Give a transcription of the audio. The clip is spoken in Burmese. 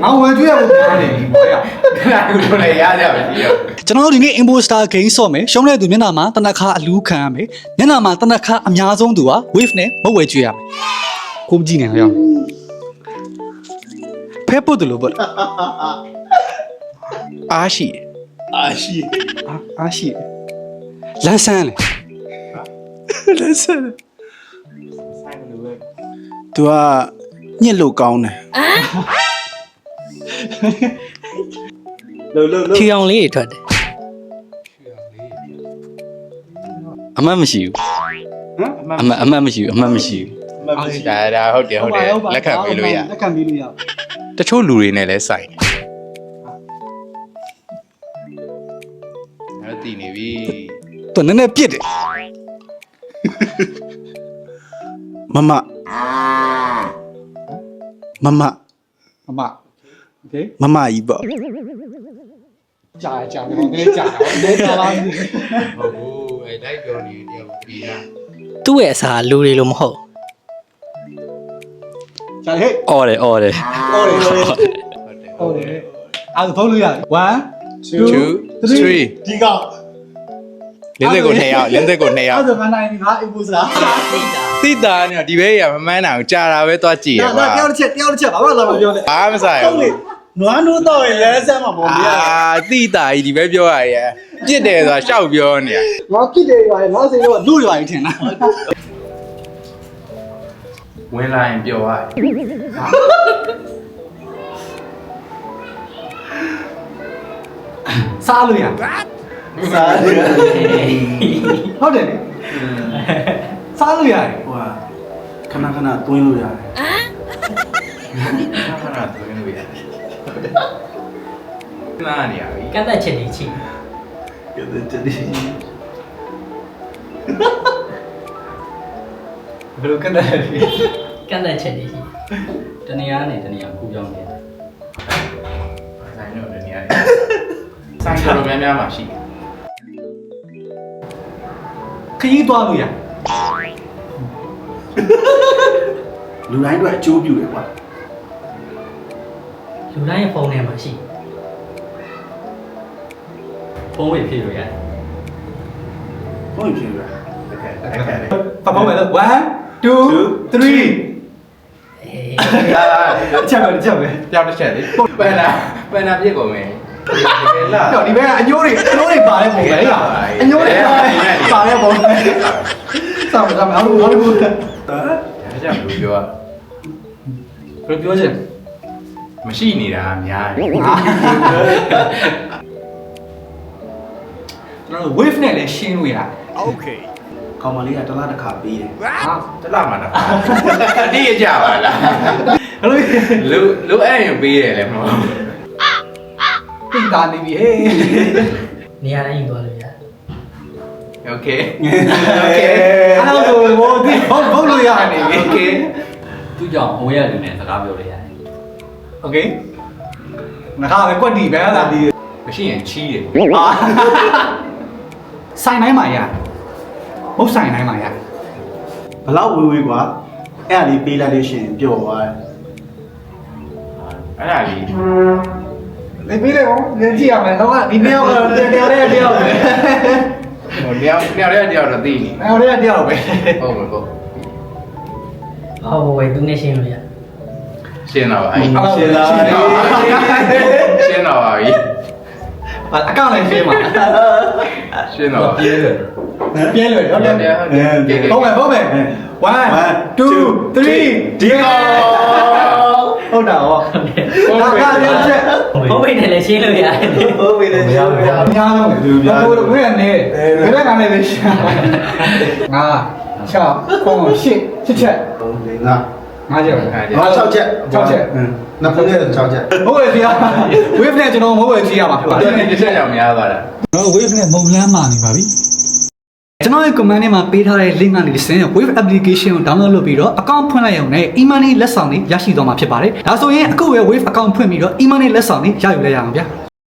ငါဝယ်ကျွေးရဖို့ပြောနေပြီဘောရခဏကိုလည်းရကြပါပြီကျွန်တော်တို့ဒီနေ့ imposter game ဆော့မယ်ရှုံးတဲ့သူမျက်နှာမှာတနက်ခါအလူးခံရမယ်မျက်နှာမှာတနက်ခါအများဆုံးသူက wave နဲ့မဝယ်ကျွေးရမယ်ကိုမကြည့်နေရောဖဲပုတ်တယ်လို့ပေါ့အားရှိလမ်းဆန်းလေလမ်းဆန်း तू ကညစ်လို့ကောင်းတယ်ဖြူအောင်လေးတွေထွက်တယ်အမှတ်မရှိဘူးအမှတ်မရှိဘူးဒါဟုတ်တယ်လက်ခံပေးလို့ရတချို့လူတွေနဲ့လည်းဆိုင်တယ်အဲ့တည်နေပြီသူနည်းနည်းပြစ်တယ်မမโอเคမမကြီးပေါ့ကြာတယ်လဲကြာလားဟုတ်ဘူးအဲ့လိုက်ပြောနေတယ်ပြီးတာသူ့ရဲ့အစာလူတွေလို့မဟုတ်ကြာဟဲ့အော်တယ်ဟုတ်တယ်အဲ့ဒါဖုန်းလို့ရတယ်1 2 3 ဒီကောင်လင်းသက်ကို2ယောက်အဲ့ဒါငါနိုင်ပြီငါအိမ်ပို့စလားတိတာနဲ့ဒီဘဲရမမှန်းတာကိုကြာတာပဲသွားကြည့်ရပါတယောက်တစ်ချက်ဘာမှလာမပြောနဲ့ဘာမဆိုင်ဘူးနွားနိုးတော့ရင်လဲဆက်မှာပေါ့ဗျာတိတာကြီးဒီဘဲပြောရရဲ့ပြစ်တယ်ဆိုတာရှောက်ပြောနေရငါပြစ်တယ်ပါလေငါစိတ်တော့လူတွေပါထင်တာဝင်လာရင်ပြောရစားလို့ရဟုတ်တယ်စားလို့ရတယ်ဟိုကခဏသွင်းလို့ရတယ်ခဏသွင်းလို့ရတယ်နားနေရပြီကန့်သက်ချက်တွေချိကျတဲ့တည်းဘယ်လိုကတဲ့ကန့်သက်ချက်တွေချိတနေရာနဲ့တနေရာကူပြောင်းနေတာဆိုင်တော့ဒီနေရာဆိုင်တော်များများမှာရှိတယ်ခရီးသွားလို့ရလူတိုင်းအတွက်အကျိုးပြုတယ်ကွာလူတိုင်းရဲ့ဖုန်းထဲမှာရှိဖုန်းဝေဖြည့်လို့ရတယ်ဟုတ်ပြီဗျာပပမယ်1 2 3 ချက်ပဲပြောင်းတစ်ချက်လေပန်နာပြစ်ကုန်မယ်လာတော့ဒီဘက်ကအညိုးတွေပါတဲ့ပုံပဲလားအညိုးတွေပါတဲ့ပုံစောင့်အောင်ဘူးဒါကြောင့်လူပြောဘယ်ပြောချင်မရှိနေတာအများကြီးကျွန်တော် wave နဲ့လည်းရှင်းလို့ရတယ်ကောင်မလေးကတစ်လားတစ်ခါပေးတယ်ဟာတလားမှာတော့တိရကြပါလားအဲ့လိုလူအဲ့ရင်ပေးတယ်လေမဟုတ်ပြင်တာနေပြီဟေးနေရာတိုင်းယူသွားလို့ရတယ်โอเคအဲ့တော့ဘောဒီဘုတ်လို့ရနေပြီโอเคသူ့ကြောင့်အဝေးရလူနဲ့စကားပြောလို့ရတယ်โอเคငါကပဲကွက်တီပဲလားဒီမရှိရင်ချီးတယ်ဆိုင်တိုင်းမှာရမဟုတ်ဆိုင်တိုင်းမှာရဘလောက်ဝေးကွာအဲ့ဒါလေးပေးလိုက်လို့ရှိရင်ပျော်သွားတယ်အဲ့ဒါလေးနေပြီးလေကောလင်းကြည့်ရမယ်တော့ဒီနှစ်ယောက်ကတော့တယောက်တယောက်ပဲဟိုတယောက်တော့သိနေအဲ့တော့တယောက်ပဲဟုတ်မှာပေါ့ဟောဝယ်သူနဲ့ရှင်းလို့ရရှင်းတော့ပါပြီရှင်းလားရှင်းတော့ပါပြီအကောင့်လည်းရှင်းပါရှင်းတော့ပြဲတယ်ပြင်းလွယ်တော့ပြင်းဟုတ်မယ်1 2 3ဒီကောဟုတ်တာဟောဒါကလည်းချက်ဟုတ်ပြီနဲ့လည်းရှင်းလို့ရတယ်ဟုတ်ပြီလေရှင်းပြအများဆုံးလေသူပြဘိုးတို့ဘယ်ကနေဘယ်ကနေလဲရှာငါ6 9 8ချက် 3 4 5ချက်ပဲ 6ချက်နှစ်ဖက်နဲ့6ချက်ဟုတ်ရဲ့ဗျာ wave နဲ့ကျွန်တော်မဟုတ်ရဲ့ကြည့်ရမှာဖြစ်ပါတဒီယ်နေ့တစ်ချက်ကြောင်များသွားတာကျွန်တော် wave နဲ့မုံလန်းမာနေပါပြီကျွန်တော်ရဲ့ comment ထဲမှာပေးထားတဲ့ link ကနေစင်း wave application ကို download လုပ်ပြီးတော့ account ဖွင့်လိုက်ရုံနဲ့ e-money လက်ဆောင်တွေရရှိသွားမှာဖြစ်ပါတယ်ဒါဆိုရင်အခုပဲ wave account ဖွင့်ပြီးတော့ e-money လက်ဆောင်တွေရယူလိုက်ရအောင်ဗျာ